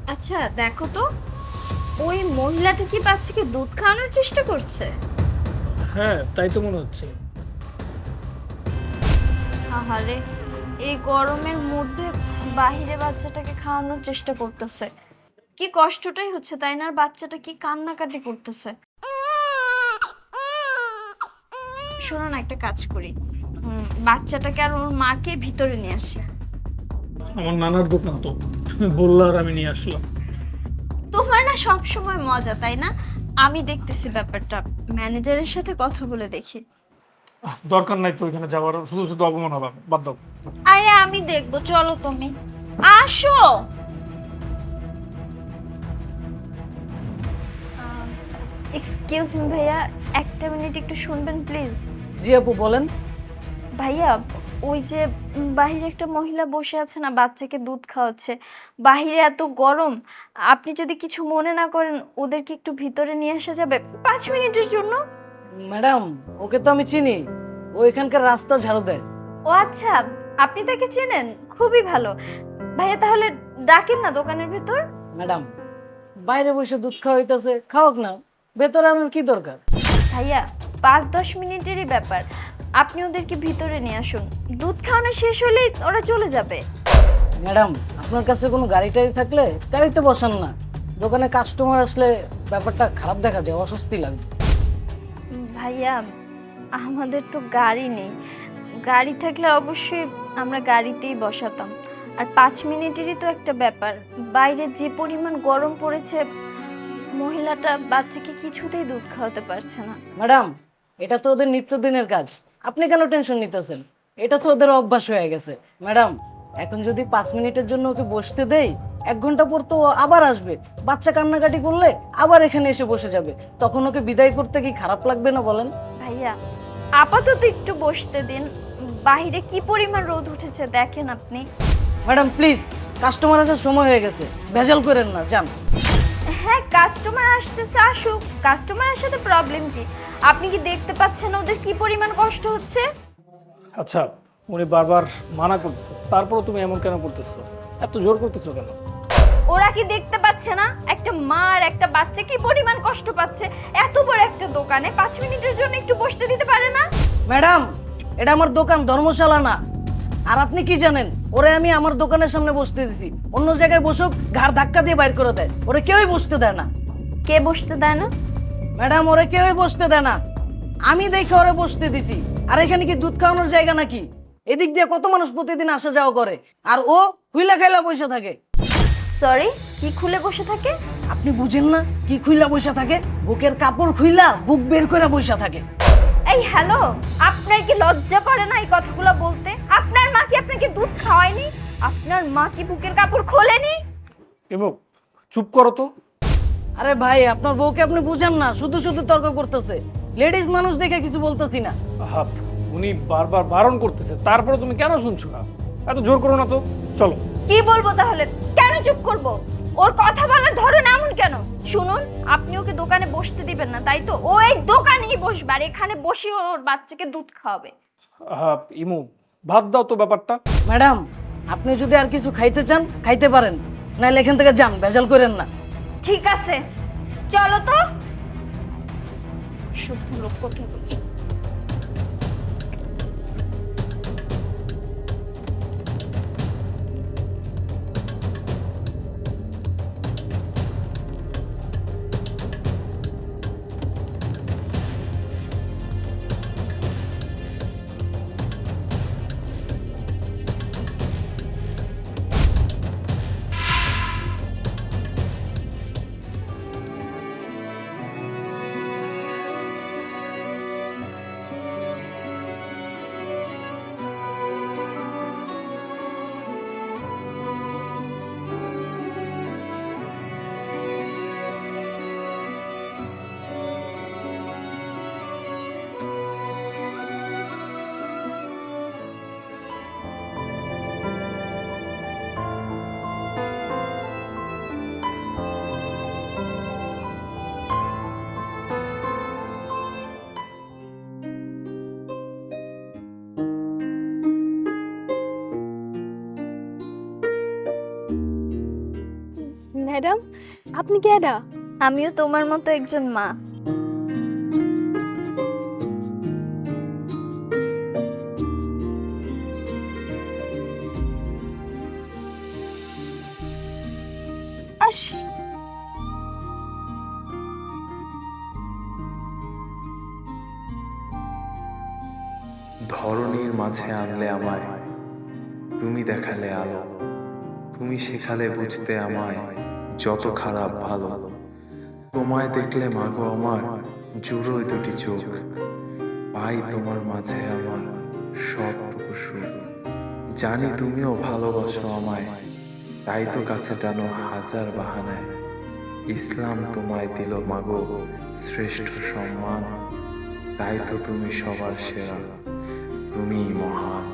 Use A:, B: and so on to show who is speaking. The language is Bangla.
A: আচ্ছা দেখো তো, ওই মহিলাটা কি বাচ্চাকে দুধ খাওয়ানোর চেষ্টা করছে?
B: হ্যাঁ, তাই তো মনে হচ্ছে।
A: আহারে, এই গরমের মধ্যে বাহিরে বাচ্চাটাকে খাওয়ানোর চেষ্টা করতেছে। কি কষ্টটাই হচ্ছে তাই না? আর বাচ্চাটা কি কান্নাকাটি করতেছে। শোনো না, একটা কাজ করি, বাচ্চাটাকে আর ওর মাকে ভিতরে নিয়ে আসি।
B: আমার নানার দোকান তো, তুমি বললা আর আমি নিয়ে আসলাম।
A: তোমার না সব সময় মজা তাই না? আমি দেখতেছি ব্যাপারটা, ম্যানেজারের সাথে কথা বলে দেখি।
B: দরকার নাই তো ওইখানে যাওয়ার, শুধু শুধু অপমান হবে, বাদ দাও।
A: আরে আমি দেখবো, চলো তুমি আসো। এক্সকিউজ মি ভাইয়া, একটা মিনিট একটু শুনবেন প্লিজ।
C: জি আপু বলেন।
A: ভাইয়া, ওই যে বাহিরে একটা মহিলা বসে আছে না, বাচ্চাকে দুধ খাওয়াচ্ছে, বাহিরে এত গরম, আপনি যদি কিছু মনে না করেন ওদেরকে একটু ভিতরে নিয়ে আসা যাবে 5 মিনিটের জন্য?
C: ম্যাডাম, ওকে তো আমি চিনি, ও এখানকার রাস্তা ঝাড়ু দেয়।
A: ও আচ্ছা, আপনি তাকে চেনেন, খুবই ভালো। ভাইয়া তাহলে ডাকেন না দোকানের ভেতর।
C: ম্যাডাম, বাইরে বসে দুধ খাওয়া হইতাছে, খাওয়াক না, ভেতরে আনার কি দরকার?
A: ভাইয়া 5-10 মিনিটেরই ব্যাপার, আপনি ওদেরকে ভিতরে নিয়ে আসুন, দুধ খাওয়ানো শেষ হলেই ওরা চলে যাবে।
C: ম্যাডাম, আপনার কাছে কোনো গাড়ি টাড়ি থাকলে গাড়িতে বসান না, দোকানে কাস্টমার আসলে ব্যাপারটা খারাপ দেখা যায়, অস্বস্তি লাগে।
A: ভাইয়া, আমাদের তো গাড়ি নেই, গাড়ি থাকলে অবশ্যই আমরা গাড়িতেই বসাতাম। আর 5 মিনিটেরই তো একটা ব্যাপার, বাইরে যে পরিমাণ গরম পড়েছে, মহিলাটা বাচ্চাকে কিছুতেই দুধ খাওয়াতে পারছে না।
C: ম্যাডাম, এটা তো ওদের নিত্যদিনের কাজ, আপনি কেন টেনশন নিতেছেন? এটা তো ওদের অভ্যাস হয়ে গেছে। ম্যাডাম, এখন যদি 5 মিনিটের জন্য ওকে বসতে দেই, 1 ঘন্টা পর তো ও আবার আসবে, বাচ্চা কান্নাকাটি করলে আবার এখানে এসে বসে যাবে, তখন ওকে বিদায় করতে কি খারাপ লাগবে না বলেন?
A: ভাইয়া আপাতত একটু বসতে দিন, বাইরে কি পরিমাণ রোদ উঠেছে দেখেন আপনি।
C: ম্যাডাম প্লিজ, কাস্টমার আসার সময় হয়ে গেছে, ভেজাল করেন না, যান।
A: হ্যাঁ, কাস্টমার আসতেছে, আসুক, কাস্টমারের সাথে প্রবলেম কি? আপনি কি দেখতে পাচ্ছেন ওদের কি পরিমাণ কষ্ট হচ্ছে?
B: আচ্ছা, উনি বারবার মানা করতেছে, তারপরও তুমি এমন কেন করতেছো? এত জোর করতেছো কেন?
A: ওরা কি দেখতে পাচ্ছে না একটা মা আর একটা বাচ্চা কি পরিমাণ কষ্ট পাচ্ছে? এত বড় একটা দোকানে 5 মিনিটের জন্য একটু বসতে দিতে পারে না?
C: ম্যাডাম, এটা আমার দোকান, ধর্মশালা না। আর আপনি কি জানেন, ওরে আমি আমার দোকানের সামনে বসতে দিছি, অন্য জায়গায় বসুক ঘাড় ধাক্কা দিয়ে বাইর করে দেয়, ওরে কেউই বসতে দেয় না।
A: কে বসতে দেয় না?
C: ম্যাডাম, ওরে কেউই বসতে দেয় না, আমি দেখে ওরে বসতে দিছি। আর এখানে কি দুধ খাওয়ানোর জায়গা নাকি? এদিক দিয়ে কত মানুষ প্রতিদিন আসা যাওয়া করে, আর ও হুইলা খাইলা বসে থাকে।
A: সরি, কি খুলে বসে থাকে?
C: আপনি বুঝেন না কি খুইলা বসে থাকে? বুকের কাপড় খুইলা বুক বের করে বসে থাকে।
A: এই হ্যালো, আপনার কি লজ্জা করে না এই কথাগুলো বলতে? আপনার মা কি আপনাকে দুধ খাওয়ায়নি? আপনার মা কি বুকের কাপড় খোলেনি?
B: এবং চুপ করো তো।
C: আরে ভাই, আপনার বউকে আপনি বুঝেন না, শুধু শুধু তর্ক করতেছে। লেডিস মানুষ দেখে কিছু বলতেছি না।
B: আহা, উনি বারবার বারণ করতেছে, তারপরে তুমি কেন শুনছো না? এত জোর করো না তো, চলো।
A: কি বলবো তাহলে? কেন চুপ করব? ওর কথা বলার ধরন এমন কেন? শুনুন, আপনি ওকে দোকানে বসতে দিবেন না তাই তো? ও এই দোকানেই বসবে আর এখানে বসে ওর বাচ্চাকে দুধ খাওয়াবে।
B: আহা, ইমু, ভাত দাও তো ব্যাপারটা।
C: ম্যাডাম, আপনি যদি আর কিছু খাইতে চান খাইতে পারেন, নাহলে এখান থেকে যান, ভেজাল করেন না।
A: ঠিক আছে, চলো তো। শুভ লোক কোথায় বলছে?
D: ম্যাডাম আপনি কেডা?
A: আমিও তোমার মতো একজন মা।
D: আসি।
E: ধরণীর মাঝে আনলে আমায়, তুমি দেখালে আলো, তুমি শেখালে বুঝতে আমায় যত খারাপ ভালো। তোমায় দেখলে মাগো আমার জুড়োয় দুটি চোখ, পাই তোমার মাঝে আমার সবটুকু সুখ। জানি তুমিও ভালোবাসো আমায়, তাই তো কাছে টানো হাজার বাহানায়। ইসলাম তোমায় দিল মাগো শ্রেষ্ঠ সম্মান, তাই তো তুমি সবার সেরা, তুমিই মহান।